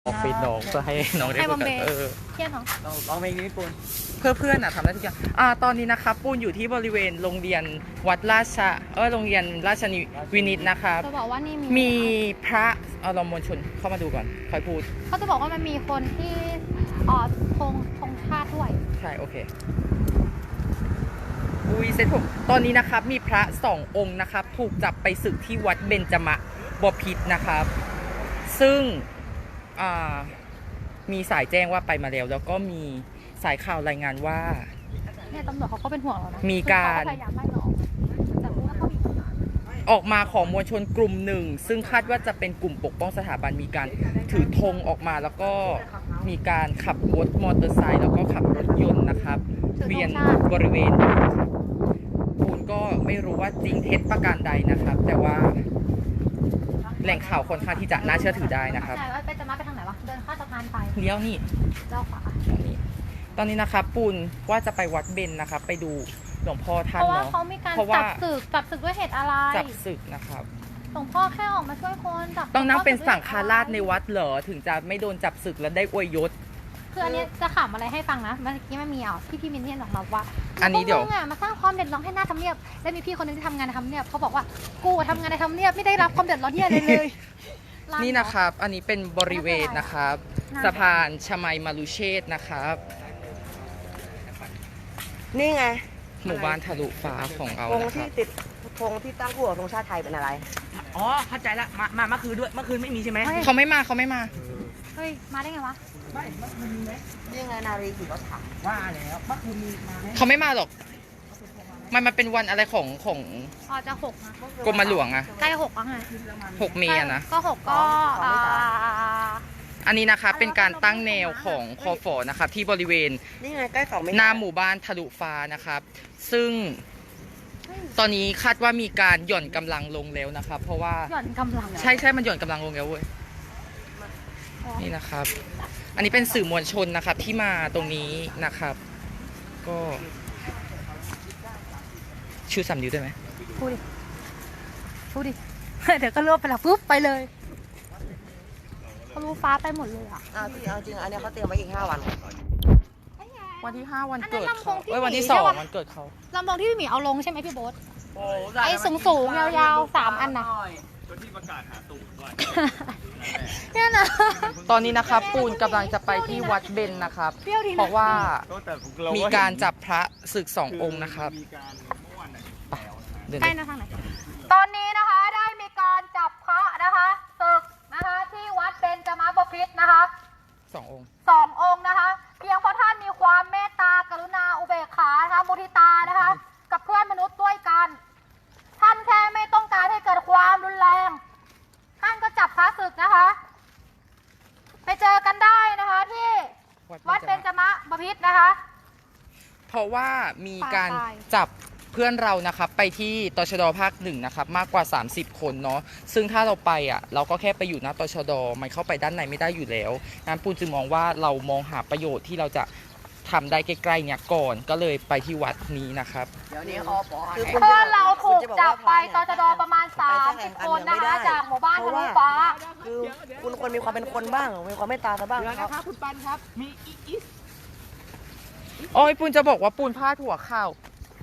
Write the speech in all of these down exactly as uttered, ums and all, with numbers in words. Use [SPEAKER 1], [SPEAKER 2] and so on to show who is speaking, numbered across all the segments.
[SPEAKER 1] ออฟฟิศน้องเพื่อให้น้องได้ฝึกกันเออ
[SPEAKER 2] เที่ยงเหรอ
[SPEAKER 1] ลองลองเพลงนี้ปูนเพื่อเพื่อนอะทำได้ทุกอย่างอ่าตอนนี้นะครับปูนอยู่ที่บริเวณโรงเรียนวัดราชเออโรงเรียนราชวินิตนะครับ
[SPEAKER 2] จะบอกว่านี่มี
[SPEAKER 1] มีพระเอาเรามวลชนเข้ามาดูก่อนค่อยพูด
[SPEAKER 2] เขาจะบอกว่ามันมีคนที่อ๋อธงธงชาติด้วย
[SPEAKER 1] ใช่โอเคอุ้ยเซ็ตผมตอนนี้นะครับมีพระสององค์นะครับถูกจับไปศึกที่วัดเบญจมะบพิตรนะครับซึ่งอ่ามีสายแจ้งว่าไปมาแล้วแล้วก็มีสายข่าวรายงานว่า
[SPEAKER 2] เนี่ยตำรวจเขาก็เป็นห่วงเรานะ
[SPEAKER 1] มีการ
[SPEAKER 2] คือเขพยายามไล่เราออกแต่ว่าเขามี
[SPEAKER 1] ออกมาของมวลชนกลุ่มหนึ่งซึ่งคาดว่าจะเป็นกลุ่มปกป้องสถาบันมีการถือธงออกมาแล้วก็มีการขับรถมอเตอร์ไซค์แล้วก็ขับรถยนต์นะครับเวียนบริเวณคุณก็ไม่รู้ว่าจริงเท็จประการใดนะครับ แต่ว่าแหล่งข่าวค่อนข้างที่จะน่าเชื่อถือได้นะครับ
[SPEAKER 2] ใช่ว่าไปจะมาไปทางไหนวะเดินข้ามสะพานไป
[SPEAKER 1] เลี้ยวนี่
[SPEAKER 2] เลี้ยวขวา
[SPEAKER 1] ตอนนี้ตอนนี้นะครับปูนว่าจะไปวัดเบญนะครับ ไปดูหลวงพ่อท่า
[SPEAKER 2] เพ
[SPEAKER 1] น
[SPEAKER 2] ราะว่า
[SPEAKER 1] เนาะ
[SPEAKER 2] เขามีการ
[SPEAKER 1] เพราะว่า
[SPEAKER 2] จับศึกจับศึกด้วยเหตุอะไร
[SPEAKER 1] จับศึกนะครับ
[SPEAKER 2] หลวงพ่อแค่ออกมาช่วยคนจับ
[SPEAKER 1] ต้องนั่งเป็นสังฆราชใน
[SPEAKER 2] ด
[SPEAKER 1] วัดเหรอถึงจะไม่โดนจับศึกและได้อวยยศ
[SPEAKER 2] คืออันนี้จะขำอะไรให้ฟังนะเมื่อกี้มันมีอ่ะที่พี่มินเทียนบอกมาว่า
[SPEAKER 1] อันนี้เดี๋ยว
[SPEAKER 2] พกมึงอ่ะมาสร้างความเดือดร้อนให้หน้าทำเนียบแล้วมีพี่คนนึงที่ทำงานในทำเนียบเขาบอกว่ากูทำงานในทำเนียบไม่ได้รับความเดือดร้อนเหี้ยอะไรเลย
[SPEAKER 1] นี่นะครับ อันนี้เป็นบริเวณนะครับ
[SPEAKER 2] น่า
[SPEAKER 1] สะพานชมัยมารุเชษฐ์นะครับ
[SPEAKER 3] นี่ไง
[SPEAKER 1] หมู่บ้านทะลุฟ้าของเรา
[SPEAKER 3] ธง
[SPEAKER 1] นะค
[SPEAKER 3] ที่
[SPEAKER 1] รับ
[SPEAKER 3] ติดธงที่ตั้งคู่กับธงชาติไทยเป็นอะไร
[SPEAKER 4] อ๋อเข้าใจละมามาเมื่อคืนด้วยเมื่อคืนไม่มีใช่ไหม
[SPEAKER 2] เฮ้ย
[SPEAKER 1] เขาไม่มาเขาไม่มา
[SPEAKER 2] เฮ้ยมาได้ไงวะ
[SPEAKER 4] ไม่เมื่อคืนมีไหม
[SPEAKER 3] นี่ไงนารีขี่รถถัง
[SPEAKER 4] ว่าแล้วเมื่อคืนมีมาไหม
[SPEAKER 1] เขาไม่มาหรอก มันมันเป็นวันอะไรของของ
[SPEAKER 2] อ๋อจะหกนะ
[SPEAKER 1] กรมหลวงอะ
[SPEAKER 2] ใกล้หกแล้วไง
[SPEAKER 1] หกเมษอะนะ
[SPEAKER 2] ก็หกก็อ่า
[SPEAKER 1] อันนี้นะครับเป็นการตั้งแนวของคอฟอนะครับที่บริเวณ
[SPEAKER 3] นี่ไงใกล้สองเมตร
[SPEAKER 1] หน้าหมู่บ้านทะลุฟ้านะครับ ซึ่งตอนนี้คาดว่ามีการหย่อนกำลังลงแล้วนะครับ เพราะว่า
[SPEAKER 2] หย่อนกำลัง
[SPEAKER 1] ใช่ใช่มันหย่อนกำลังลงแล้วเว้ย นี่นะครับ อันนี้เป็นสื่อมวลชนนะครับที่มาตรงนี้นะครับ ก็ชูสามนิ้วได้ไหม
[SPEAKER 2] พูดดิพูดดิ เดี๋ยวก็รวบไปแล้วปุ๊บไปเลยเขารู้ฟ้าไปหมดเลยอ่ะ
[SPEAKER 3] อ้าวที่เอาจริงอันเนี้ยเขาเตรียมไว้อีกห้าวัน
[SPEAKER 1] วันที่ห้าวัน
[SPEAKER 2] อันนั้น
[SPEAKER 1] เกิด
[SPEAKER 2] ลำโพ
[SPEAKER 1] เขา
[SPEAKER 2] งที่
[SPEAKER 1] เอ้ยวันที่
[SPEAKER 2] หนี
[SPEAKER 1] สอ
[SPEAKER 2] ใช่
[SPEAKER 1] ง
[SPEAKER 2] ปะ
[SPEAKER 1] วันเกิดเขา
[SPEAKER 2] ลำโพงที่พี่หมีเอาลงใช่ไหมพี่โบ๊ท
[SPEAKER 4] โอ้
[SPEAKER 2] ไอ้สูงๆยาวๆสามอันน่ะ เนี่ยนะ
[SPEAKER 1] ตอนนี้นะครับปูนกำลังจะไปที่วัดเบญนะครับ
[SPEAKER 2] เปรี้ยวดีนะ
[SPEAKER 1] เพราะว่ามีการจับพระศึกสององค์นะครับไปเดิน
[SPEAKER 2] ใกล้นะทางไหนตอนนี้นะคะได้มีการจับพระนะคะศึกนะคะที่วัดเบญจมบพิตรนะคะ
[SPEAKER 1] สององค์
[SPEAKER 2] สององค์นะคะ เพียงเพราะท่านมีความเมตตากรุณาอุเบกขานะคะมุทิตานะคะ กับเพื่อนมนุษย์ด้วยกัน ท่านแค่ไม่ต้องการให้เกิดความรุนแรง ท่านก็จับพระศึกนะคะ ไปเจอกันได้นะคะที่วัดเบญจมบพิตรนะคะ
[SPEAKER 1] เพราะว่ามีการ
[SPEAKER 2] ตาย
[SPEAKER 1] จับเพื่อนเรานะครับไปที่ตชดภาคหนึ่งนะครับมากกว่าสามสิบคนเนาะซึ่งถ้าเราไปอ่ะเราก็แค่ไปอยู่หน้าตชดมันเข้าไปด้านในไม่ได้อยู่แล้วงั้นปูนจึงมองว่าเรามองหาประโยชน์ที่เราจะทำได้ใกล้ๆเนี่ยก่อนก็เลยไปที่วัดนี้นะครับ
[SPEAKER 3] เดี๋ยวนี้เขาคือ
[SPEAKER 2] เพื่
[SPEAKER 3] คุณ
[SPEAKER 2] อนเราถูก
[SPEAKER 3] คุณะ
[SPEAKER 2] จับไปต
[SPEAKER 3] ว่า
[SPEAKER 2] ชดประมาณสามสิบคนนะคะจากหมู่บ้านทะลุฟ้า
[SPEAKER 3] คือคุณควรมีความเป็นคนบ้างมีความเมตตาซะบ้าง
[SPEAKER 4] เดี๋ยว
[SPEAKER 3] ครั
[SPEAKER 4] นะ
[SPEAKER 3] บ
[SPEAKER 4] ครับคุณปันครับ มีอีอีส
[SPEAKER 1] โอ้ยปูนจะบอกว่าปูนพลาดหัวข่าว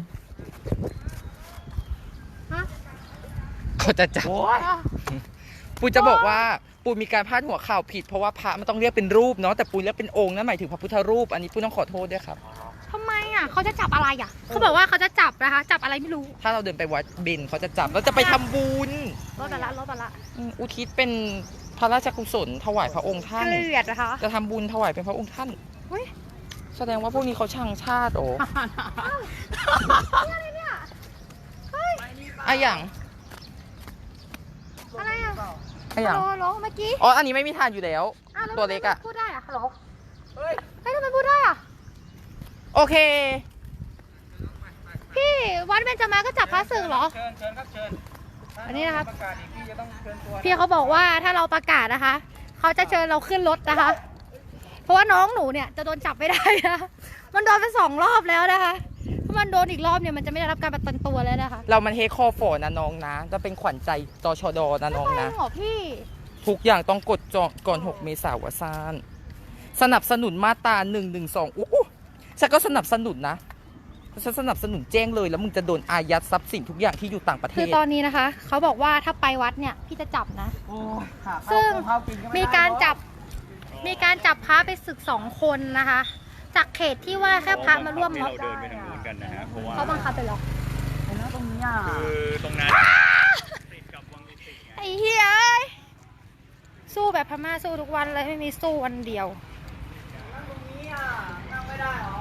[SPEAKER 2] ฮะ
[SPEAKER 1] เขาจะจับ
[SPEAKER 4] โอ้ย
[SPEAKER 1] ปูนจะบอกว่าปูนมีการพลาดหัวข่าวผิดเพราะว่าพระมันต้องเรียกเป็นรูปเนาะแต่ปูนเรียกเป็นองค์นั่นหมายถึงพระพุทธรูปอันนี้ปูนต้องขอโทษด้วยครับ
[SPEAKER 2] ทำไมอ่ะเขาจะจับอะไรอ่ะเขาบอกว่าเขาจะจับนะคะ จับอะไรไม่รู้
[SPEAKER 1] ถ้าเราเดินไปวัดเบญเขาจะจับเราจะไปทำบุญ
[SPEAKER 2] รถไปละรถไปละ
[SPEAKER 1] อืมอุทิศเป็นพระราชกุศลถวายพระองค์ท่าน
[SPEAKER 2] เกลียดนะคะ
[SPEAKER 1] จะทำบุญถวายเป็นพระองค์ท่าน
[SPEAKER 2] เฮ้ย
[SPEAKER 1] แสดงว่าพวกนี้เขาช่างชาติโอ้
[SPEAKER 2] อะไรเนี่ยเฮ้ย
[SPEAKER 1] อะอย่าง
[SPEAKER 2] อะไรอ่ะ
[SPEAKER 1] อะอย่าง
[SPEAKER 2] ฮัลโหลฮัลโหลเมื่อกี้
[SPEAKER 1] อ๋ออันนี้ไม่มีทานอยู่แล้ว
[SPEAKER 2] อ้าวแ
[SPEAKER 1] ตัวเล็กอะ
[SPEAKER 2] ทำไมพูดได้อ่ะฮัลโหลเฮ้ยทำไมพูดได้อ่ะ
[SPEAKER 1] โอเค
[SPEAKER 2] พี่วัดเบญจมาก็จับพระศึกเหรอ
[SPEAKER 4] เชิญเชิญครับเชิญ
[SPEAKER 2] อันนี้นะครับ
[SPEAKER 4] ประกาศอีกพี่จะต้องเชิญตัว
[SPEAKER 2] พี่เขาบอกว่าถ้าเราประกาศนะคะ เขาจะเชิญเราขึ้นรถนะคะ เพราะว่าน้องหนูเนี่ยจะโดนจับไม่ได้นะ มันโดนไปสองรอบแล้วนะคะ ถ้ามันโดนอีกรอบเนี่ยมันจะไม่ได้รับการประกันตัวแล้วนะคะ
[SPEAKER 1] เรามันเฮคอฟอนะน้องนะจะเป็นขวัญใจตชดนะน้อง
[SPEAKER 2] ไม่
[SPEAKER 1] นะ
[SPEAKER 2] หรอพี่
[SPEAKER 1] ททุกอย่างต้องกดจองก่อนหกเมษายนซานสนับสนุนมาตราหนึ่งหนึ่งสองอู้ฉันก็สนับสนุนนะฉันสนับสนุนแจ้งเลยแล้วมึงจะโดนอายัดทรัพย์สินทุกอย่างที่อยู่ต่างประเท
[SPEAKER 2] คือ
[SPEAKER 1] ศ
[SPEAKER 2] ตอนนี้นะคะ เขาบอกว่าถ้าไปวัดเนี่ยพี่จะจับนะ
[SPEAKER 4] โอ้ยขาเข้า
[SPEAKER 2] ซึ่ง
[SPEAKER 4] เข้ากินก็ไได้
[SPEAKER 2] มีการจับมีการจับพระไปศึกสองคนนะคะ จากเขตที่ว่าแค่พระมาร่วมม็อบ
[SPEAKER 5] เราเดินไปทางนู้นกันนะฮะเพราะว่า
[SPEAKER 2] เขาบังคับไปหรอ
[SPEAKER 4] เห็นแล้วตรงนี้อ่ะ
[SPEAKER 5] คือตรงนั้นติดกับวังดุสิตไง
[SPEAKER 2] ไอ้เหี้ยเอ้ยสู้แบบพม่าสู้ทุกวันเลยไม่มีสู้วันเดียว
[SPEAKER 4] ตรงนี้อ่ะนั่งไม่ได้หรอ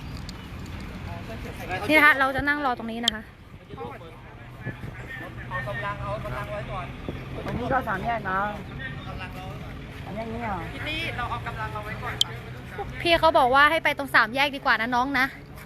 [SPEAKER 2] นี่นะคะเราจะนั่งรอตรงนี้นะคะ
[SPEAKER 4] เอากำลังเอากำลังไว้ก่อนตรงนี้ก็สามแยกนะสามแยกนี้อ่ะ
[SPEAKER 1] ที่นี่เราเอากำลังเอาไว้ก่อน
[SPEAKER 2] พี่เขาบอกว่าให้ไปตรงสามแยกดีกว่านะน้องนะ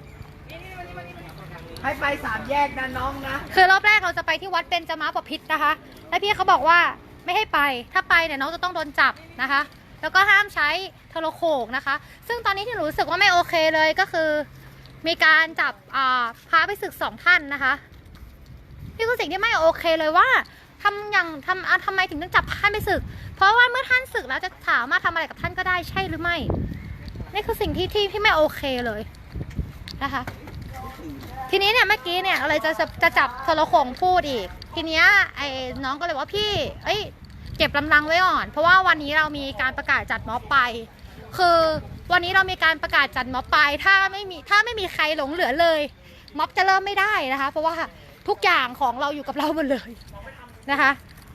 [SPEAKER 4] ให้ไปสามแยกนะน้องนะ
[SPEAKER 2] คือรอบแรกเราจะไปที่วัดเบญจมาบพิตรนะคะ แล้วพี่เขาบอกว่าไม่ให้ไป ถ้าไปเนี่ยน้องจะต้องโดนจับนะคะ แล้วก็ห้ามใช้โทรโขงนะคะ ซึ่งตอนนี้ที่หนูรู้สึกว่าไม่โอเคเลยก็คือ มีการจับอ่าพาไปศึกสองท่านนะคะนี่คือสิ่งที่ไม่โอเคเลยว่าทำอย่างทำอ่ะทำไมถึงต้องจับท่านไปศึก เพราะว่าเมื่อท่านศึกแล้วจะสามารถทำอะไรกับท่านก็ได้ใช่หรือไม่ นี่คือสิ่งที่ที่ที่ไม่โอเคเลยนะคะ ทีนี้เนี่ยเมื่อกี้เนี่ยอะไรจะจะจับโทรโขงพูดอีก ทีเนี้ยไอ้น้องก็เลยว่าพี่เอ้ยเก็บกำลังไว้ก่อน เพราะว่าวันนี้เรามีการประกาศจัดม็อบไป คือวันนี้เรามีการประกาศจัดม็อบไป ถ้าไม่มีถ้าไม่มีใครหลงเหลือเลย ม็อบจะเริ่มไม่ได้นะคะ เพราะว่าทุกอย่างของเราอยู่กับเราหมดเลยนะคะ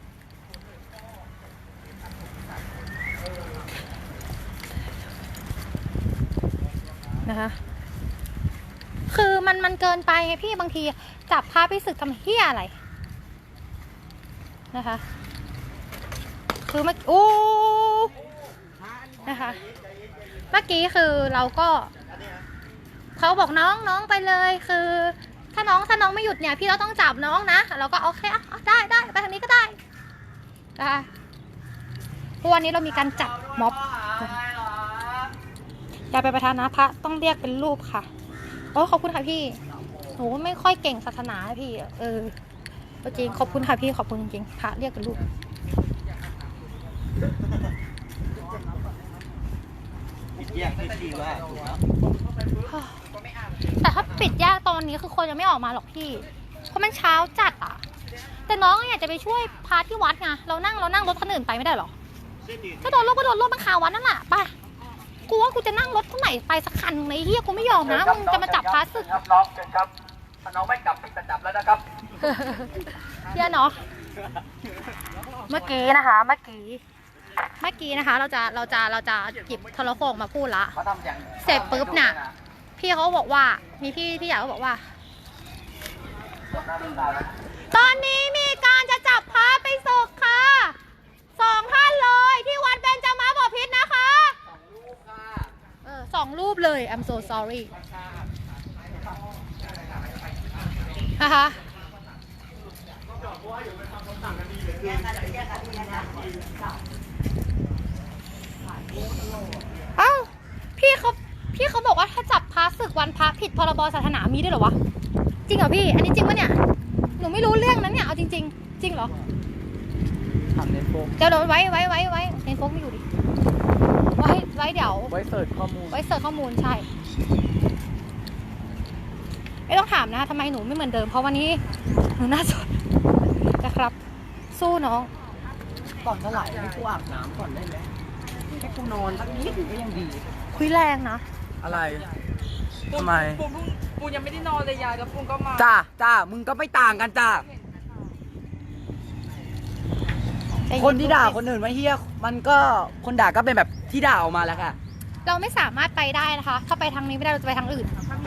[SPEAKER 2] นะคะ คือมันมันเกินไปไงพี่บางทีจับพาไปศึกทำเหี้ยอะไรนะคะ คือเมื่ออู้นะคะ เมื่อกี้คือเราก็เขาบอกน้องน้องไปเลยคือ ถ้าน้องถ้าน้องไม่หยุดเนี่ยพี่เราต้องจับน้องนะเราก็โอเคอ่ะได้ได้ไปทางนี้ก็ได้นะคะเพราะวันนี้เรามีการจัดม็อบอย่าไปประทานนะพระต้องเรียกเป็นรูปค่ะโอ้ขอบคุณค่ะพี่หนูไม่ค่อยเก่งศาสนาพี่เออจริงขอบคุณค่ะพี่ขอบคุณจริงๆพระเรียกเป็นรูป
[SPEAKER 3] แยกที่ที่ว่าถูกแล้ว
[SPEAKER 2] แต่ถ้าปิดแยกตอนนี้คือคนยังไม่ออกมาหรอกพี่เพราะมันเช้าจัดอ่ะแต่น้องอยากจะไปช่วยพาที่วัดไงเรานั่งเรานั่งรถคนอื่นไปไม่ได้หรอถ้าโดนรถก็โดนรถมันคาวัดนั่นแหละไปกูว่ากูจะนั่งรถเท่าไหร่ไปสักคันในเฮียกูไม่ยอมนะมึงจะมาจับพาศึก
[SPEAKER 4] ครับน้องเชิญครับถ้าน้องไม่จับพี่จะจับแล้วนะครับ
[SPEAKER 2] เฮียเนาะเมื่อกี้นะคะ เมื่อกี้เมื่อกี้นะคะ เราจะเราจะเราจะหยิบโทรโขงมาพูดละ
[SPEAKER 4] เขาทำอย่าง
[SPEAKER 2] เสร็จปุ๊บน่ะ พี่เขาบอกว่ามีพี่พี่ใหญ่เขาบอกว่า ตอนนี้มีการจะจับพระไปศึกค่ะสองท่านเลยที่วัดเบญจมาบพิตรนะคะเออสองรูปเลย I'm so sorry นะคะเอ้าพี่เขาพี่เขาบอกว่าถ้าจับพระศึกวันพระผิดพรบศาสนามีด้วยเหรอวะจริงเหรอพี่อันนี้จริงปะเนี่ยหนูไม่รู้เรื่องนั้นเนี่ยเอาจริงๆจริงเหรอ
[SPEAKER 1] ทำเน้นโฟก
[SPEAKER 2] เดี๋ยวเดี๋ยวไว้ไว้ไว้ไว้ในโฟกไม่อยู่ดิไว้ไว้เดี๋ยว
[SPEAKER 1] ไว้เสิร์ชข้อมูล
[SPEAKER 2] ไว้เสิร์ชข้อมูลใช่ไม่ต้องถามนะทำไมหนูไม่เหมือนเดิมเพราะวันนี้หนูหน้าสดนะครับ สู้น้อง
[SPEAKER 4] ก่อนเท่าไหร่ให้กูอาบน้ำก่อนได้ไหมให้กูนอนสักนิดหนึ่งก็ยังดี
[SPEAKER 2] คุยแรงนะ
[SPEAKER 4] อะไรทำไม
[SPEAKER 1] ปูปูปูยังไม่ได้นอนเลยยายแล้วปูก็มา
[SPEAKER 4] จ้าจ้ามึงก็ไม่ต่างกันจ้าคนที่ด่าคนอื่นว่าเฮียมันก็คนด่าก็เป็นแบบที่ด่าออกมาแล้วค่ะ
[SPEAKER 2] เราไม่สามารถไปได้นะคะ ถ้าไปทางนี้ไม่ได้เราจะไปทางอื่น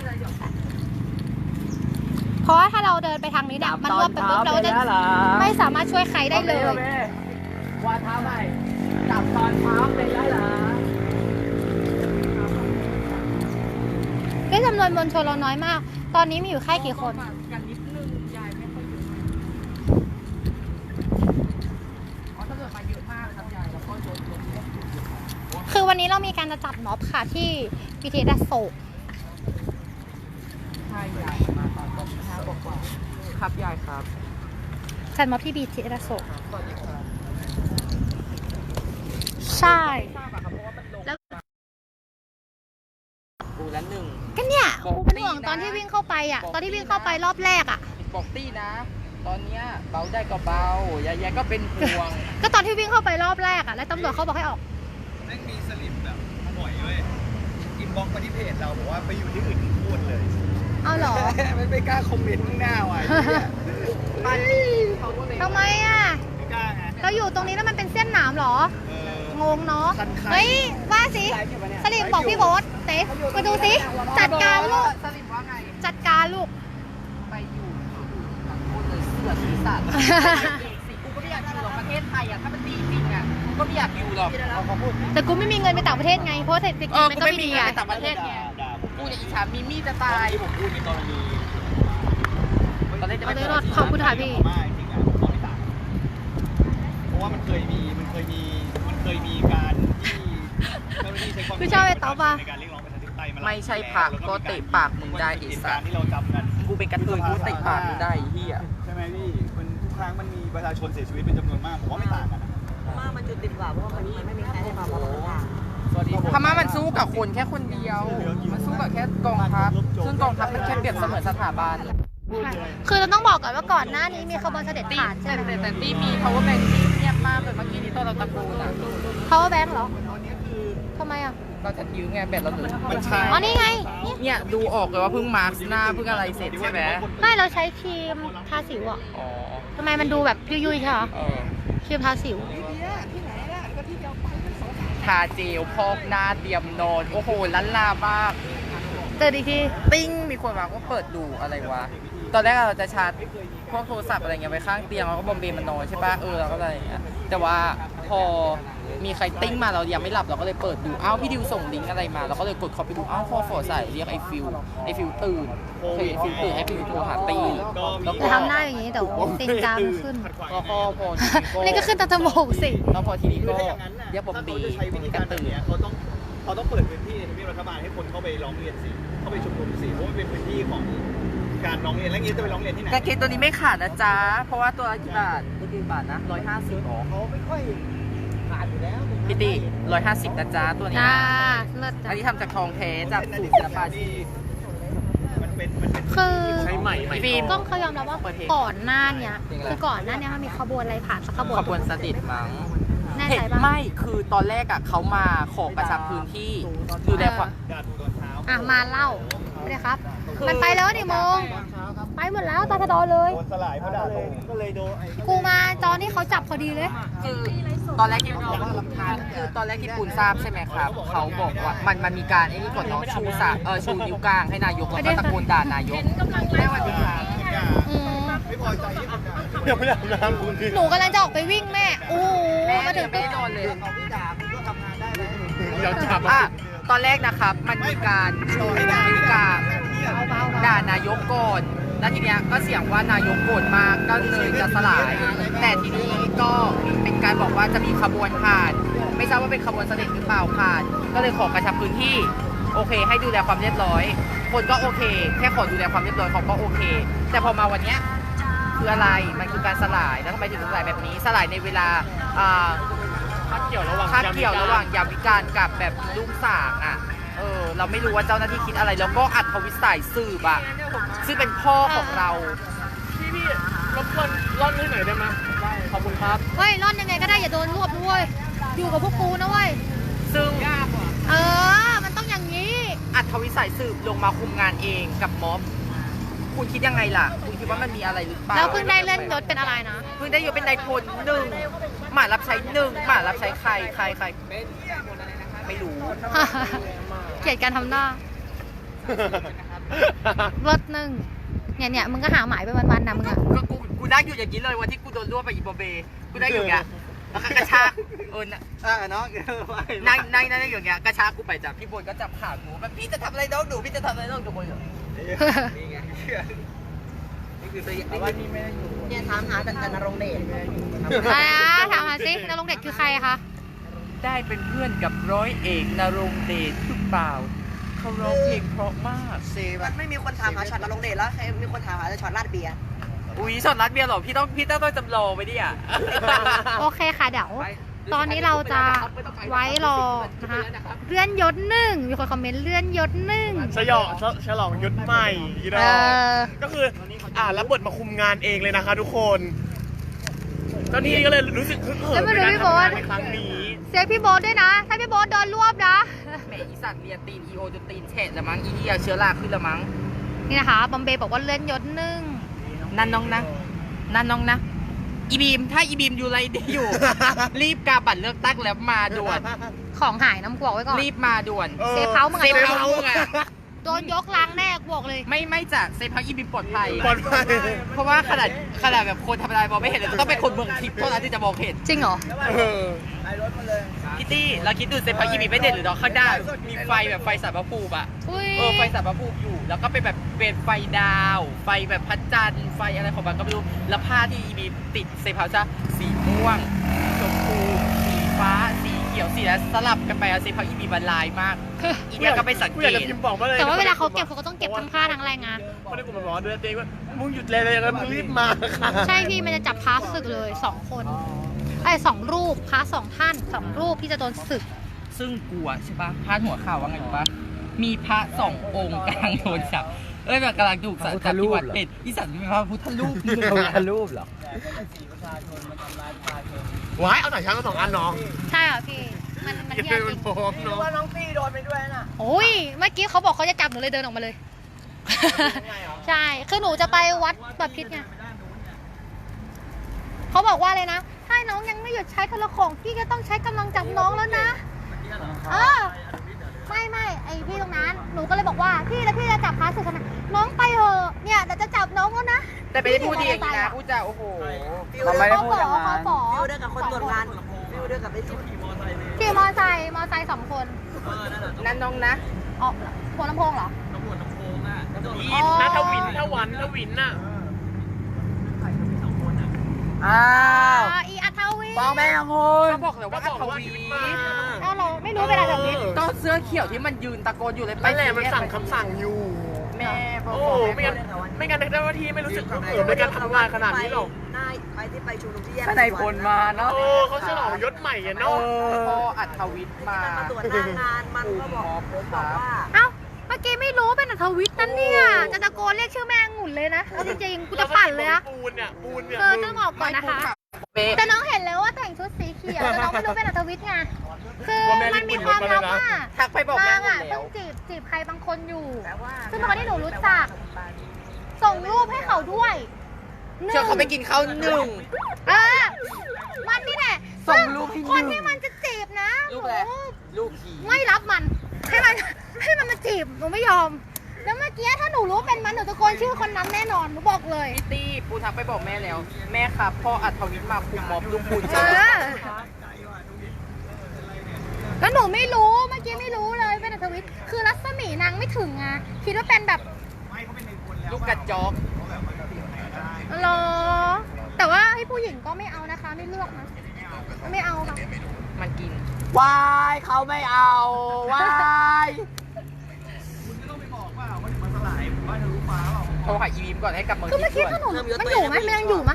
[SPEAKER 2] เพราะว่าถ้าเราเดินไปทางนี้เนี่ยมันรวบไปปุ๊บเราจะไม่สามารถช่วยใครได้เลย
[SPEAKER 4] ว่าเท้าไม่จับตอนเท้าเป็นได้เหรอ
[SPEAKER 2] ด้วยจำนวนมวลชนเราน้อยมาก ตอนนี้มีอยู่แค่กี่คน
[SPEAKER 1] กันนิดนึงยายไม่ค่อยเยอะอ๋อตำรวจมาเยอะมากครับยายแล้วก็โดนโดนเยอะ
[SPEAKER 2] คือวันนี้เรามีการจะจัดม็อบค่ะที่บีทีเอสโศก
[SPEAKER 1] ใช่ยายมาตอนตอนห้าบอกว่าครับยายครับ
[SPEAKER 2] จัดม็อบที่บีทีเอสโศก
[SPEAKER 1] สวัสดีครับ
[SPEAKER 2] ใช่
[SPEAKER 1] ทราบอะครับเพราะว่ามันลง
[SPEAKER 2] แล้ว
[SPEAKER 1] กูละหนึ่ง
[SPEAKER 2] ก็เนี่ย
[SPEAKER 1] บอก
[SPEAKER 2] กูเป็นห่วง
[SPEAKER 1] ตี้นะ
[SPEAKER 2] ตอนที่วิ่งเข้าไปอ่ะ
[SPEAKER 1] บอก
[SPEAKER 2] ตอนที่
[SPEAKER 1] ตี้
[SPEAKER 2] วิ่งเข้าไป
[SPEAKER 1] นะ
[SPEAKER 2] รอบแรกอ่ะ
[SPEAKER 1] บอกตี้นะ ตอนเนี้ยเบาได้ก็เบายายๆก็เป็นห่วง
[SPEAKER 2] ก็ตอนที่วิ่งเข้าไปรอบแรกอ่ะ แล้วตำรวจเขาบอกให้ออก
[SPEAKER 5] แม่งมีสลิปแบบบ่อยเว้ยอินบ็อกซ์มาที่เพจเราบอกว่าไปอยู่ที่อื่นพูดเลย
[SPEAKER 2] เอาเหรอ
[SPEAKER 5] ไม่ไม่กล้าคอมเมนต์ข้างหน้าว่ะ
[SPEAKER 2] ทำไมอ่ะ
[SPEAKER 5] ไม่กล้าไง
[SPEAKER 2] เราอยู่ตรงนี้แล้วมันเป็นเส้นหนามเหรอ
[SPEAKER 5] เออ
[SPEAKER 2] งงเนาะ
[SPEAKER 5] คันๆ
[SPEAKER 2] เฮ้ย ว่าสิสลิมบอกพี่โบ๊ทเต๊มาดูสิ จัดการลูก
[SPEAKER 1] สลิมว่าไง
[SPEAKER 2] จัดการลูก
[SPEAKER 1] ไปอยู่กับคนเลยเสือสีสัตว์สิกูก็ไม่อยากอยู่หรอกประเทศไทยอ่ะถ้ามันดีจริงอ่ะกูก็ไม่อยากอยู่หรอกเขาพูด
[SPEAKER 2] แต่กูไม่มีเงินไปต่างประเทศไง เพราะเศรษฐกิจ
[SPEAKER 1] เออ
[SPEAKER 2] มัน
[SPEAKER 1] กู
[SPEAKER 2] ก็
[SPEAKER 1] ไม่
[SPEAKER 2] ไม่
[SPEAKER 1] มี
[SPEAKER 2] ดี
[SPEAKER 1] เงิน
[SPEAKER 2] อ่ะ
[SPEAKER 1] ไปต่างประเทศไง
[SPEAKER 5] ด่าผม
[SPEAKER 1] กูเนี่ยอิจฉามีมี่จะตาย
[SPEAKER 5] ที่ผมพูดในกรณี
[SPEAKER 1] ตอนแรกจะ
[SPEAKER 2] เอา
[SPEAKER 1] ไม่
[SPEAKER 2] เลย
[SPEAKER 1] เปิ
[SPEAKER 2] รอ
[SPEAKER 1] ด
[SPEAKER 2] ดขอบคุณค่ะพี่
[SPEAKER 5] ไม่จริงอ่ะผมบอกไม่ต่างเพราะว่ามันเคยมีมันเคยมีมันเคยมีการที่เจ้าหน้าที่ใช้ความ
[SPEAKER 2] คือชอบไอ้ต๊อบอะ
[SPEAKER 5] ในการเรียกร้องประชาธิปไตยมาหลาย
[SPEAKER 1] ไม่ใช่
[SPEAKER 5] ปี
[SPEAKER 1] ผัก
[SPEAKER 5] แล้ว
[SPEAKER 1] ก็เตะปากมึงได้ไอีสัตว์
[SPEAKER 5] ที่เราจำกัน
[SPEAKER 1] กูเป็นกระเทยกูเตะปากมึงได้ไอ้เฮีย
[SPEAKER 5] ใช่ไหมพี่มันทุกครั้งมันมีประชาชนเสียชีวิตเป็นจำนวนมากผมว่าไม่ต่างกันนะ
[SPEAKER 3] มามันจุดติดกว่าเพราะว่ามันมันไม่มีใครให้มาบอกทาง
[SPEAKER 1] พม่ามันสู้กับคนแค่คนเดียว มันสู้กับแค่กองทัพ ซึ่งกองทัพมันแค่เปรียบเสมือนสถาบัน
[SPEAKER 2] คือเราต้องบอกก่อนว่าก่อนหน้านี้มีขบวนเสด็จ
[SPEAKER 1] ตี
[SPEAKER 2] ผ่านใช่
[SPEAKER 1] แต่
[SPEAKER 2] ไหม
[SPEAKER 1] แต่แต่ตีมี power bank ที่เงียบมากเลยเมื่อกี้ที่ตอนเราตะโกนอ่ะ
[SPEAKER 2] เขาว่าแบงค์เหรอทำไมอ่ะ
[SPEAKER 1] เราจะยื้อไงแบตเราเหลือ
[SPEAKER 5] มันใช่
[SPEAKER 2] อ๋อ นี่ไง นี่
[SPEAKER 1] เนี่ยดูออกเลยว่าเพิ่งมาร์คหน้าเพิ่งอะไรเสร็จใช่ไหม
[SPEAKER 2] ไม่เราใช้ครีมทาสิวอ่ะ
[SPEAKER 1] อ๋อ
[SPEAKER 2] ทำไมมันดูแบบยุ่ยๆใช่เหรอ
[SPEAKER 1] เออ
[SPEAKER 2] ครีมทาสิว
[SPEAKER 1] ทาเจลพอกหน้าเตรียมนอน โอ้โหล้านลามาก
[SPEAKER 2] เจออีกที
[SPEAKER 1] ติ้งมีคนมาก็เปิดดูอะไรวะ ตอนแรกเราจะชาร์จพวกโทรศัพท์อะไรเงี้ยไว้ข้างเตียงแล้วก็บอมเบย์มันนอนใช่ปะเออเราก็อะไรอย่างเงี้ยแต่ว่าพอมีใครติ้งมาเรายังไม่หลับเราก็เลยเปิดดูอ้าวพี่ดิวส่งลิงก์อะไรมาเราก็เลยกดเข้าไปดูอ้าวฟอฟอใส่เรียกไอ้ฟิวไอ้ฟิวตื่นโอเคไอ้ฟิวตื่นไอ้ฟิวโทรหาตีแล้ว
[SPEAKER 2] จะ
[SPEAKER 1] ก็
[SPEAKER 2] ทำหน้าอย่างนี้แต่ว่าติงกามขึ้น
[SPEAKER 1] ก็พอพอทีนี้ก็
[SPEAKER 2] นี่ก็ขึ้นตาจมูกสิ
[SPEAKER 1] แล้วพอทีนี้ก็
[SPEAKER 5] ถ้าอย่างนั้นน่ะ
[SPEAKER 1] เรียกบอมเบ
[SPEAKER 5] ถ้า
[SPEAKER 1] ย์
[SPEAKER 5] เขาจะใช้วิธี
[SPEAKER 1] กั
[SPEAKER 5] กาน รแบบ
[SPEAKER 1] ตื่น
[SPEAKER 5] เนี้ยเขาต้องเขาต้องเปิดพื้นที่ในทำเนียบรัฐบาลให้คนเข้าไปร้องเรียนสิเข้าไปชุมนุมสิเพราะมันเป็นพื้นที่ของการร้องเรียนแล้วงี้จะไปร้องเรียนที่ไหน
[SPEAKER 1] แต่เคสตัวนี้ไม่ขาดนะจ๊ะเพราะว่าตัวละกี่บาทตัวกี่บาทนะร้อยห้าสิบหรอ
[SPEAKER 5] เขาไม่ค่อยผ่านอยู่แล้ว
[SPEAKER 1] พี่ตีร้อยห้าสิบนะจ๊ะตัวนี้
[SPEAKER 2] อ่าเลิศ
[SPEAKER 1] อันนี้ทำจากทองแท้จากสูตรศิลปาชีพ
[SPEAKER 5] มันเป็นมันเป็น
[SPEAKER 2] คือ
[SPEAKER 5] ใช้ใหม่ใหม่
[SPEAKER 1] ฟิล์ม
[SPEAKER 2] ต้องเขายอมรับว่าก่อนหน้าเนี้ยคือก่อนหน้าเนี้ยมันมีขบวนอะไรผ่านสักขบวน
[SPEAKER 1] ขบวนสติดมั้ง
[SPEAKER 2] แน่
[SPEAKER 1] เห็
[SPEAKER 2] ใจ
[SPEAKER 1] น
[SPEAKER 2] ปะ
[SPEAKER 1] ไม่คือตอนแรกอะเขามาขอกระชับพื้นที่ดูแลความ
[SPEAKER 5] ด่าถูกตอนเช้า
[SPEAKER 2] อ่ะมาเล่าไม่ได้ครับ
[SPEAKER 1] คือ
[SPEAKER 2] มันไปแล้วนี่โมงไปหมดแล้วตาทะดอเลย
[SPEAKER 5] โดนสลายเพราะด่าถูกก็เลยโดนไอ้
[SPEAKER 2] กูมาตอนที่เขาจับพอดีเลย
[SPEAKER 1] คือตอนแรกที่คือตอนแรกที่ปูนทราบใช่ไหมครับเขาบอกว่ามันมันมีการไอ้นี่ก่อนเนาะชูสาเออชูนิ้วกลางให้นายกแล้วก็ตะโกนด่านายกแม่วันดีค่ะ
[SPEAKER 2] อืม
[SPEAKER 5] ไม่พอใจที่คนด่าเดี๋ยวไม่ได้อาบน้ำคุณพี่
[SPEAKER 2] หนูกำลังจะออกไปวิ่งแม่โอ้โห
[SPEAKER 1] แม่
[SPEAKER 2] มาถึ
[SPEAKER 1] เดี๋ย
[SPEAKER 2] ง
[SPEAKER 1] วไม่
[SPEAKER 2] ปุ๊บ
[SPEAKER 1] ได้นอนเลย
[SPEAKER 5] เขาไม่ด่าคุณก็ทำงานได้แล้ว
[SPEAKER 1] เราจับอ่ะตอนแรกนะครับมันมีการชูนิ้วกลาง
[SPEAKER 2] เบาๆ
[SPEAKER 1] ด่านายกก่อนแล้วทีเนี้ยก็เสียงว่านายกโกรธมากก็เลยจะสลาย แต่ทีนี้ก็เป็นการบอกว่าจะมีขบวนผ่าน ไม่ทราบว่าเป็นขบวนเสด็จหรือเปล่าผ่าน ก็เลยขอกระชับพื้นที่โอเค ให้ดูแลความเรียบร้อย คนก็โอเค แค่ขอดูแลความเรียบร้อยเขาก็โอเค แต่พอมาวันเนี้ยคืออะไรมันคือการสลายแล้วทำไมถึงสลายแบบนี้สลายในเวลาอ่า
[SPEAKER 5] คาดเกี่ยวระหว่าง
[SPEAKER 1] คาดเกี่ยวระหว่างยามวิการกับแบบลูกสางอ่ะ เออ เราไม่รู้ว่าเจ้าหน้าที่คิดอะไร แล้วก็อัดทวิสัยสืบอ่ะ ซึ่งเป็นพ่อของเรา
[SPEAKER 5] พี่พี่รบกวนร่อนให้หน่อยได้ไหมได้ขอบคุณครับ
[SPEAKER 2] เฮ้ยร่อนยังไงก็ได้อย่าโดนรวบด้วยอยู่กับพวกกูนะเว้ย
[SPEAKER 1] ซึ่ง
[SPEAKER 2] เออ มันต้องอย่างนี้
[SPEAKER 1] อัดทวิสัยสืบลงมาคุมงานเองกับม็อบ คุณคิดยังไงล่ะ คุณคิดว่ามันมีอะไรหรือเปล่า
[SPEAKER 2] แล้วเพิ่งได้เลื่อนยศเป็นอะไรนะ
[SPEAKER 1] เพิ่งได้ยศเป็นนายพลหนึ่งหมารับใช้หนึ่งหมารับใช้ใครใครใครไม่รู้
[SPEAKER 2] เกลียดการทำหน้าลดหนึ่งเนี่ยเนี่ยมึงก็หาหมายไปวันๆนะมึงอะ
[SPEAKER 1] ก็กูกูได้อยู่อย่างนี้เลยวันที่กูโดนรวบไปอีโบเบกูได้อยู่อย่างเงี้ยแล้วก็กระชากเออนะ
[SPEAKER 5] อ่าน้อง
[SPEAKER 1] นั่งนั่งนั่งอยู่อย่างเงี้ยกระชากกูไปจากพี่บนก็จับขาหนูแบบพี่จะทำอะไรน้องหนูพี่จะทำอะไรน้องหนูเหรอ
[SPEAKER 5] นี่ไง
[SPEAKER 1] นี่คือตัวว่านี่ไม่ได้อยู่
[SPEAKER 3] เนี่ยถามหาแต่แต่นรงเดช
[SPEAKER 2] อะไรนะถามหาสินรงค์เด็ดคือใครคะ
[SPEAKER 1] ได้เป็นเพื่อนกับร้อยเอกนรงค์เดชหรือเปล่าเขาร้องเพลงเพราะมากเซ
[SPEAKER 3] มันไม่มีคนถามหาช็อตนรงเดชแล้วใครมีคนถามหาแต่ช็อตลาดเบียร์
[SPEAKER 1] อุ้ยช็อตรัดเบียร์เหรอพี่ต้องพี่ต้องต้องจำลองไว้ดิอ่ะ
[SPEAKER 2] โอเคค่ะเดี๋ยวตอนนี้เราจะไว้รอนะคะเลื่อนยศหนึ่งมีคนคอมเมนต์เลื่อนยศหนึ่ง
[SPEAKER 6] ฉลองฉลองยศใหม่อีด
[SPEAKER 2] เอ
[SPEAKER 6] อก
[SPEAKER 2] อ
[SPEAKER 6] ก็คืออ่ารับบทมาคุมงานเองเลยนะคะทุกคนเจ้าหนี้ก็เลยรู้สึกฮึกเหิมในการทำงานในครั้งนี้
[SPEAKER 2] เสียพี่โบ๊ทด้วยนะ ถ้าพี่โบ๊ทโดนรวบนะ
[SPEAKER 1] แหมอีสัตว์เรียนตีนอีโอจนตีนแฉะละมั้งอีเดียเชื้อราขึ้นละมั้ง
[SPEAKER 2] นี่นะคะบอมเบย์บอกว่าเลื่อนยศหนึ่ง
[SPEAKER 1] นั่นน้องนะนั่นน้องนะอีบีมถ้าอีบีมอยู่ไรเดียอยู่ รีบกาบัตรเลือกตั้งแล้วมาด่วน
[SPEAKER 2] ของหายน้ำกวกไว้ก่อน
[SPEAKER 1] รีบมาด่วน
[SPEAKER 2] เซฟเฮาส์มึง
[SPEAKER 1] เซ
[SPEAKER 2] อะ
[SPEAKER 1] ฟเฮาส์มึงอะ
[SPEAKER 2] โดนยกล้างแน่กวกเลย
[SPEAKER 1] ไม่ไม่จะเซฟเฮาส์อีบีมปลอดภัย
[SPEAKER 6] ปลอดภัย
[SPEAKER 1] เพราะว่าขนาดขนาดแบบคนธรรมดามองไม่เห็นเลยต้องเป็นคนเมืองทิพย์เท่านั้นที่จะมองเห็น
[SPEAKER 2] จริงเหรอ
[SPEAKER 6] เออ
[SPEAKER 1] พี่ตี้เราคิดดูเซฟเฮาส์อีบีมไม่เด่นหรือเนาะข้างหน้ามีไฟแบบไฟสารพระภูมิอะ
[SPEAKER 2] อุ้ย
[SPEAKER 1] เออไฟสารพระภูมิอยู่ แล้วก็เป็นแบบเป็นไฟดาว ไฟแบบพระจันทร์ไฟอะไรของมันก็ไม่รู้แล้วผ้าที่อีบีมติดเซฟเฮาส์จะสีม่วงชมพูสีฟ้าสีเขียวสีแล้วสลับกันไปอะเซฟเฮาส์อีบีมมันลายมาก อีเนี่ยก็ไปสัง
[SPEAKER 6] กู
[SPEAKER 1] เก
[SPEAKER 6] อยาก
[SPEAKER 1] ต
[SPEAKER 6] จะพิมพ์บอกมาเลย
[SPEAKER 2] แต่ว่าเวลาเขาเก็บเขาก็ต้องเก็บทั้งค่าทั้งแรงงาน
[SPEAKER 6] ไม่ได้กูมาบอกด้วยตัวเองว่ามึงหยุดเลยเลยแล้วมึงรีบมาค่ะ
[SPEAKER 2] ใช่พี่มันจะจับพระศึกเลยสองคนไอ้ยสองรูปพระสองท่านสองรูปที่จะโดนศึก
[SPEAKER 1] ซึ่งกลัวใช่ปะพาดหัวข่าวว่าไงรู้ปะมีพระสององค์กำลังโดนจับเอ้ยแบบกำลังถูกสัตว์จับที่วัดเป็ดอีสัตว์เป็นพระพุทธรูปนึง
[SPEAKER 4] พระพุทธ
[SPEAKER 1] อะ
[SPEAKER 4] รูปเหรอ
[SPEAKER 6] ว้ายเอาหน่อยช้างมาสองอันน้อง
[SPEAKER 2] ใช่เหรอพี่ มันมัน
[SPEAKER 6] เก็บ
[SPEAKER 2] เที่
[SPEAKER 6] เป็
[SPEAKER 2] ย
[SPEAKER 6] น
[SPEAKER 2] จริง
[SPEAKER 6] โฟมน้อง
[SPEAKER 3] ว่าน้องตี้โดนไปด้วยน่ะ
[SPEAKER 2] โอ้ยเมื่อกี้เขาบอกเขาจะจับหนูเลยเดินออกมาเลย ใช่คือหนูจะไปวัดแบบพิษไงเขาบอกว่าเลยนะถ้าน้องยังไม่หยุดใช้โทรโข่งพี่ก็ต้องใช้กำลังจับน้องแล้วนะเออไม่ไม่ไอพี่ตรงนั้นหนูก็เลยบอกว่าพี่แล้วพี่จะจับพาสึกทำไมน้องไปเถอะเนี่ยแต่จะจับน้องแล้วนะ
[SPEAKER 1] แต่ไม่ได้พูดดีอย่างนี้นะพูดจาโอ้โห
[SPEAKER 4] เราไม่ได้พูดอย่างนั้น
[SPEAKER 2] เขาบอก
[SPEAKER 3] ฟิวเด้วยกับคนตรวจงานฟิวเด้วยกับไอ้จิ๊บ
[SPEAKER 2] ขี่มอไซค์มอไซค์สองคน
[SPEAKER 1] นั่นน้องนะ
[SPEAKER 2] อ๋อหัวลำโพงเหรอ
[SPEAKER 6] วินนะถ้าวินถ้าวันถ้าวินน่ะ
[SPEAKER 4] อ้าว
[SPEAKER 2] อ๋ออีอัธวิ
[SPEAKER 4] ฟ้องแม่งคุณ
[SPEAKER 1] ก็บอกเลยว่าอัธวี
[SPEAKER 2] เอาเหรอไม่รู้เป็นอัธวิทย์
[SPEAKER 1] ก็เสื้อเขียวที่มันยืนตะโกนอยู่เลยไป
[SPEAKER 6] นั่นแหละมันสั่งคำสั่งอยู่
[SPEAKER 1] แม่บก
[SPEAKER 6] โอ้ไม่งั้นไม่งั้นเจ้าหน้าที่ไม่รู้สึกฮึกเหิมในการทำงานขนาดนี้หรอก
[SPEAKER 3] นายไปที่ไปชุมนุมที่แยก
[SPEAKER 4] ถ้าในพลมาเนาะ
[SPEAKER 6] เออเขาฉลองยศใหม่อะ
[SPEAKER 4] เอ
[SPEAKER 6] เนาะ
[SPEAKER 1] พอ
[SPEAKER 4] อ
[SPEAKER 1] อัธวิทย์มา
[SPEAKER 3] มาตรวจหน้างานมันก็บอกผมบอกว่า
[SPEAKER 2] เอ้าเมื่อกี้ไม่รู้เป็นอัธวิทย์นั่นเนี่ยจะตะโกนเรียกชื่อแม่งุ่นเลยนะเอาจริงๆกูจะปั่นเลยนะ
[SPEAKER 6] ปูนเนี่ยปูนเนี่ย
[SPEAKER 2] เธอต้องบอกก่อนนะคะ
[SPEAKER 1] เป๊ะ
[SPEAKER 2] แต่น้องเห็นแล้วว่าแต่งชุดสีเขียวแต่น้องไม่รู้เป็นอัธวิทย์ไงคือมันมีความลับว่า
[SPEAKER 1] ทักไปบอกแม่
[SPEAKER 2] นาง
[SPEAKER 1] หมด
[SPEAKER 2] อ่ะ
[SPEAKER 1] แล้
[SPEAKER 2] เพิ่
[SPEAKER 1] ว
[SPEAKER 2] งจีบจีบใครบางคนอยู่ซึ่งเป็นคนที่หนูรู้จัก ส่งรูปให้เขาด้วยหนึ่ง
[SPEAKER 1] เชื่อเขาไปกินข้าวหนึ่ง
[SPEAKER 2] เออมันนี่แหละ
[SPEAKER 1] ส่งรูปให้หนึ่ง
[SPEAKER 2] คนที่มันจะจีบนะ
[SPEAKER 1] ลูกอะไร
[SPEAKER 2] หนู
[SPEAKER 1] ลูกผี
[SPEAKER 2] ไม่รับมันให้มันให้มันมาจีบหนูไม่ยอม แล้วเมื่อกี้ถ้าหนูรู้เป็นมันหนูตะโกนชื่อคนนั้นแน่นอนหนูบอกเลย
[SPEAKER 1] พี่ตี้ปูทักไปบอกแม่แล้ว แม่ครับพ่ออัธวิทย์มาคุมม็อบลูกปูน
[SPEAKER 2] เอ
[SPEAKER 1] จ้า
[SPEAKER 2] อแล้วหนูไม่รู้เมื่อกี้ไม่รู้เลยเป็นอัธวิทย์คือรัศมีนางไม่ถึงอ่ะคิดว่าเป็นแบบ
[SPEAKER 1] ลูกกระจอก
[SPEAKER 2] เหรอแต่ว่าให้ผู้หญิงก็ไม่เอานะคะไม่เลือกนะไม่เอาค่ะ
[SPEAKER 1] มันกิน
[SPEAKER 4] วายเขาไม่เอาวาย
[SPEAKER 1] โทรหาอีบีมก่อนให้กลับเมือง
[SPEAKER 2] คือเมื่อกี้
[SPEAKER 1] ทิพย์
[SPEAKER 2] ถ้า
[SPEAKER 1] ด่วน
[SPEAKER 2] หนูมันอยู่ไหมมันยังอยู่ไหม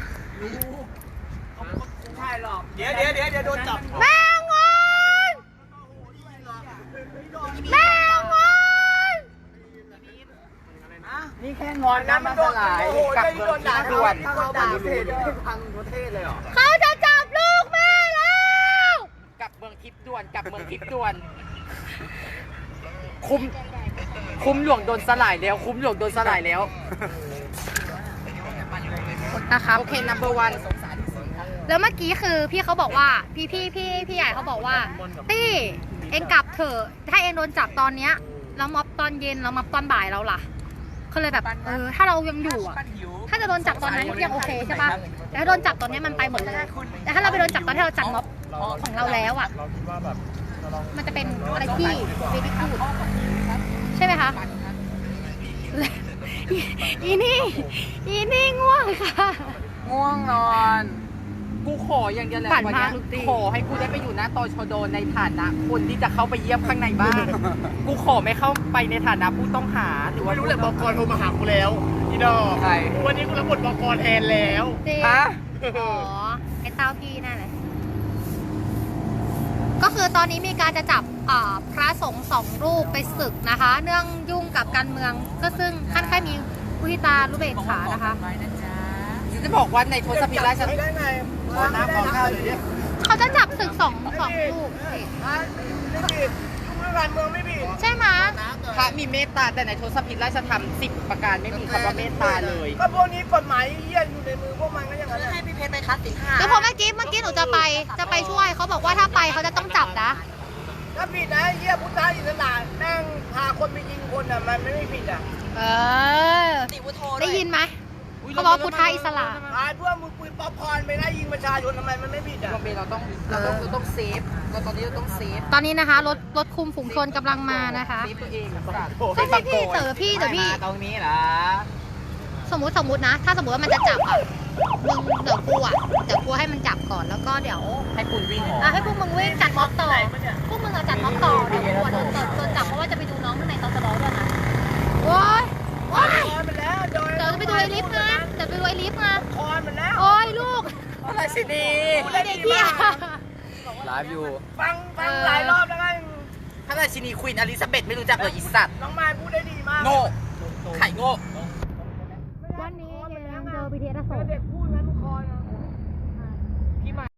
[SPEAKER 5] เดี๋ยวเดี๋ยวเดี๋ยวเดี๋ยวโดนจับ
[SPEAKER 2] แม่งอนแม่งอน
[SPEAKER 4] นี่แค่งอนนะมันสลาย
[SPEAKER 1] กลับเมืองทิพย์ด่วน
[SPEAKER 4] ถ้าเขาด่าประเทศพังประเทศเลยเหรอ
[SPEAKER 2] เขาจะจับลูกแม่แล้ว
[SPEAKER 1] กลับเมืองทิพย์ด่วนกลับเมืองทิพย์ด่วน คุ้มคุ้มหลวงโดนสลายแล้ว คุ้มหลวงโดนสลายแล้ว
[SPEAKER 2] นะครับ
[SPEAKER 1] โอเค number one
[SPEAKER 2] แล้วเมื่อกี้คือพี่เขาบอกว่าพี่พี่พี่พี่ใหญ่เขาบอกว่าตี้เองกลับเถอะถ้าเองโดนจับตอนเนี้ยแล้วม็อบตอนเย็นแล้วม็อบตอนบ่ายเราล่ะก็เลยแบบเออถ้าเรายังอยู่อ่ะถ้าจะโดนจับตอนนั้นยังโอเคใช่ปะแต่ถ้าโดนจับตอนเนี้ยมันไปหมดเลยแต่ถ้าเราไปโดนจับตอนที่เราจัดม็อบของเราแล้วอ่ะมันจะเป็นอะไรที่เบบี้พูดใช่ไหมคะอีนี่อีนี่ง่วงค่ะ
[SPEAKER 4] ง่วงนอน
[SPEAKER 1] กูขออย่างเดียวแหละ
[SPEAKER 2] ปั่น
[SPEAKER 1] วันเนี้ย
[SPEAKER 2] มากลูกตี้
[SPEAKER 1] ขอให้กูได้ไปอยู่หน้าตชดในฐานะคนที่จะเข้าไปเยี่ยมข้างในบ้าน กูขอไม่เข้าไปในฐานะผู้ต้องหาหรือว่า
[SPEAKER 6] ไม่รู้แหละบกโทรมาหากูแล้วอีดอก
[SPEAKER 4] ใคร
[SPEAKER 6] วันนี้กูรับบทบกแทนแล้ว
[SPEAKER 2] จริง
[SPEAKER 1] ฮะ
[SPEAKER 2] อ๋อไอ้เต้าพี่นั่นแหละก็คือตอนนี้มีการจะจับอ่าพระสงฆ์สองรูปไปศึกนะคะ เนื่องยุ่งกับการเมืองก็ซึ่งขั้นแค่มีมุทิตาลุเบกขานะคะ
[SPEAKER 1] จะบอกว่าในทศพิธราช
[SPEAKER 5] ไม่ได้ไง
[SPEAKER 4] ขอน้ำขอข้าวหน่อยดิ
[SPEAKER 2] เขาจะจับศึกสองสองรูป
[SPEAKER 5] ไม่ผิดเรื่องการเมืองไม่ผิด
[SPEAKER 2] ใช่ไหม
[SPEAKER 1] พระมีเมตตาแต่ในทศพิธราชธรรมสิบประการไม่มีคำว่าเมตตาเลย
[SPEAKER 5] ก็พวกนี้กฎหมายเหี้ยอยู่ในมือพวกมันก็อย่างนั้นแหละ
[SPEAKER 3] ให้พี่เพชรไปคัดสินห้า
[SPEAKER 2] คือพอเมื่อกี้เมื่อกี้หนูจะไปจะไปช่วยเขาบอกว่าถ้าไปเขาจะต้องจับนะ
[SPEAKER 5] ถ้าผิดนะเหี้ยพุทธอิสระแม่งพาคนไปยิงคนอ่ะมันไม่ผิดอ่ะ
[SPEAKER 2] เออ ได้ยินไหมเขาบอกว่าพุทธอิสระ
[SPEAKER 5] พาพวกมือปืนป๊อปคอร์นไปไล่ยิงประชาชนทำไมมันไม่ผิดอ่ะ
[SPEAKER 1] โรงเรียนเราต้องเราต้องเราต้องเซฟเราตอนนี้เราต้องเซฟ
[SPEAKER 2] ตอนนี้นะคะรถรถคุมฝูงชนกำลังมานะคะ
[SPEAKER 1] เซฟตัวเองอะสัตว์
[SPEAKER 2] ใช่พี่พี่เต๋อพี่เดี๋ยวพี่
[SPEAKER 1] ตรงนี้เหรอ
[SPEAKER 2] สมมุติสมมุตินะ ถ้าสมมติว่ามันจะจับอ่ะมึงเดี๋ยวกูอ่ะเดี๋ยวกูให้มันจับก่อนแล้วก็เดี๋ยว
[SPEAKER 1] ให้คุณวิ่งออก
[SPEAKER 2] อ่ะให้พวกมึงวิ่งจัดม็อบต่อพวกมึงอะจัดม็อบต่อเดี๋ยวกูอะโดนโดนจับเพราะว่าจะไปดูน้องข้างในตอนจะร้องด้วยนะโอ้ยโอ้ย
[SPEAKER 5] คอนมันแล้วโดย
[SPEAKER 2] เดี๋ยวจะไปดูไอ้ลิฟต์นะเดี๋ยวไปดูไอ้ลิฟต์นะ
[SPEAKER 5] คอนมันแล้ว
[SPEAKER 2] โอ้ยลูก
[SPEAKER 1] อะไรสิดี
[SPEAKER 2] ไอ้เด็กเหี้ย
[SPEAKER 1] ไลฟ์อยู่
[SPEAKER 5] ฟังฟังหลายรอบแล้วไง
[SPEAKER 1] พระราชินีควีนอลิซาเบธไม่รู้จักเลยอีสัตว์
[SPEAKER 5] น้องมายพูดได้ดีมาก
[SPEAKER 1] โง่ไข่โง่
[SPEAKER 2] วันนี้ยังเจอบีทีเอสอโศก
[SPEAKER 5] เด็กพูดงั้นทุกคน